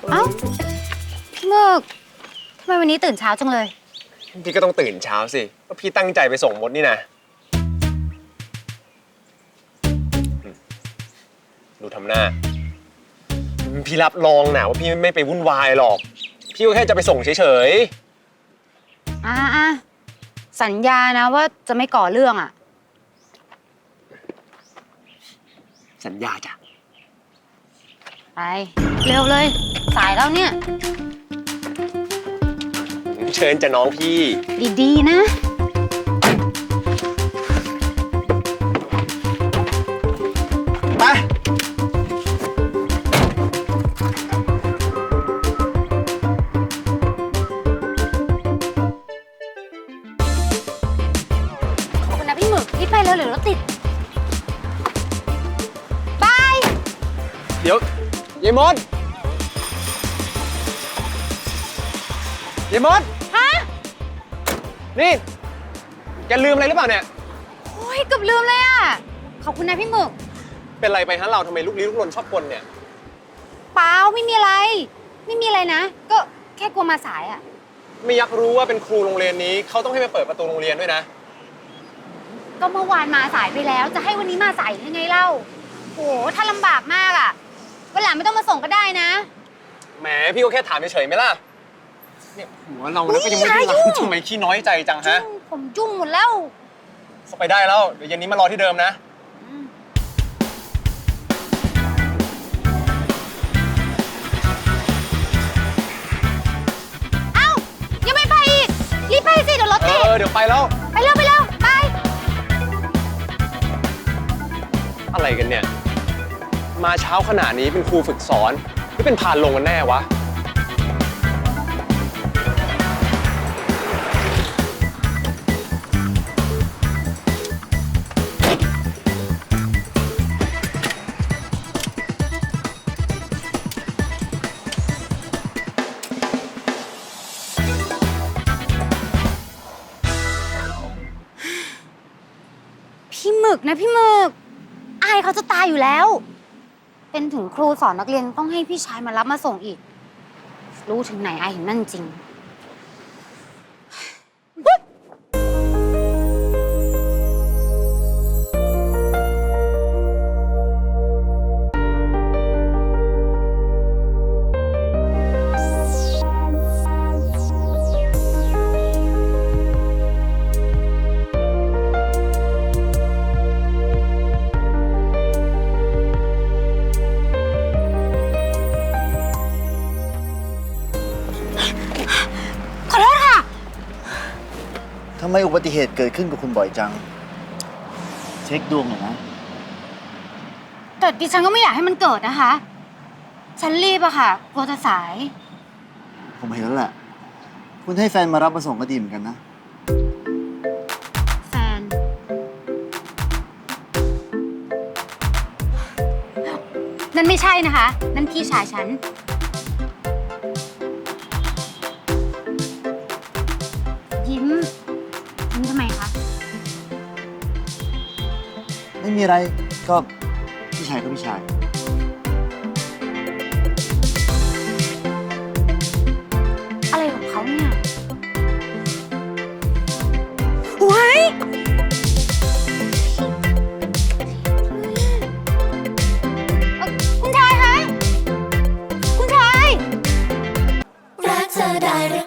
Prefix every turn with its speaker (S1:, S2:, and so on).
S1: เอ้าพี่หมึกทำไมวันนี้ตื่นเช้าจังเลย
S2: พี่ก็ต้องตื่นเช้าสิก็พี่ตั้งใจไปส่งมดนี่นะดูทำหน้าพี่รับรองนะว่าพี่ไม่ไปวุ่นวายหรอกพี่ก็แค่จะไปส่งเฉย
S1: สัญญานะว่าจะไม่ก่อเรื่องอ่ะ
S2: สัญญาจ้ะ
S1: ไปเร็วเลยสายแล้วเนี่ย
S2: เชิญจะน้องพี่
S1: ดีๆนะ
S2: ไป
S1: ขอบคุณนะพี่หมึกรีบไปเร็วเดี๋ยวรถติดบาย
S2: เดี๋ยว ยายมด ยายมด
S1: ฮะ
S2: นี่แกลืมอะไรหรือเปล่าเนี่ย
S1: โอ้ยเกือบลืมเลยอ่ะขอบคุณนะพี่หมึก
S2: เป็นไรไปฮะเราทำไมลุกลี้ลุกลนชอบกลเนี่ย
S1: เปล่าไม่มีอะไรนะ ก็แค่กลัวมาสายอ่ะ
S2: ไม่อยากรู้ว่าเป็นครูโรงเรียนนี้เขาต้องให้มาเปิดประตูโรงเรียนด้วยนะ
S1: ก็เมื่อวานมาสายไปแล้วจะให้วันนี้มาสายยังไงเล่าโหถ้าลำบากมากอ่ะวันหลังไม่ต้องมาส่งก็ได้นะ
S2: แหมพี่ก็แค่ถามเฉยๆไหมล่ะเนี่ยหัวเราแล้วก็ยังไม่ได้รับทำไมขี้น้อยใจจังฮะ
S1: ผมจุ้งหมดแล้ว
S2: เข้าไปได้แล้วเดี๋ยวเย็นนี้มารอที่เดิมนะ
S1: เอ้ายังไม่ไปอีกรีบไปสิเดี๋ยวรถติด
S2: เดี๋ยวไปแล้ว
S1: ไปเร็วไป
S2: อะไรกันเนี่ยมาเช้าขนาดนี้เป็นครูฝึกสอนหรือเป็นพานลงกันแน่วะ
S1: พี่หมึกนะพี่หมึกอายเขาจะตายอยู่แล้วเป็นถึงครูสอนนักเรียนต้องให้พี่ชายมารับมาส่งอีกรู้ถึงไหนอายถึงนั่นจริง
S3: ทำไมอุบัติเหตุเกิดขึ้นกับคุณบ่อยจังเช็คดวงหน่อยนะ
S1: แต่ดิฉันก็ไม่อยากให้มันเกิดนะคะฉันรีบอะค่ะกลัวจะสาย
S3: ผมเห็นแล้วแหละคุณให้แฟนมารับมาส่งก็ดีเหมือนกันนะ
S1: แฟนนั่นไม่ใช่นะคะนั่นพี่ชายฉันยิ้มทำไมคะ
S3: ไม่มีอะไรก็พี่ชายก็พี่ชาย
S1: อะไรของเขาเนี่ยโว้ยคุณชายคะคุณชาย
S4: รักเธอได้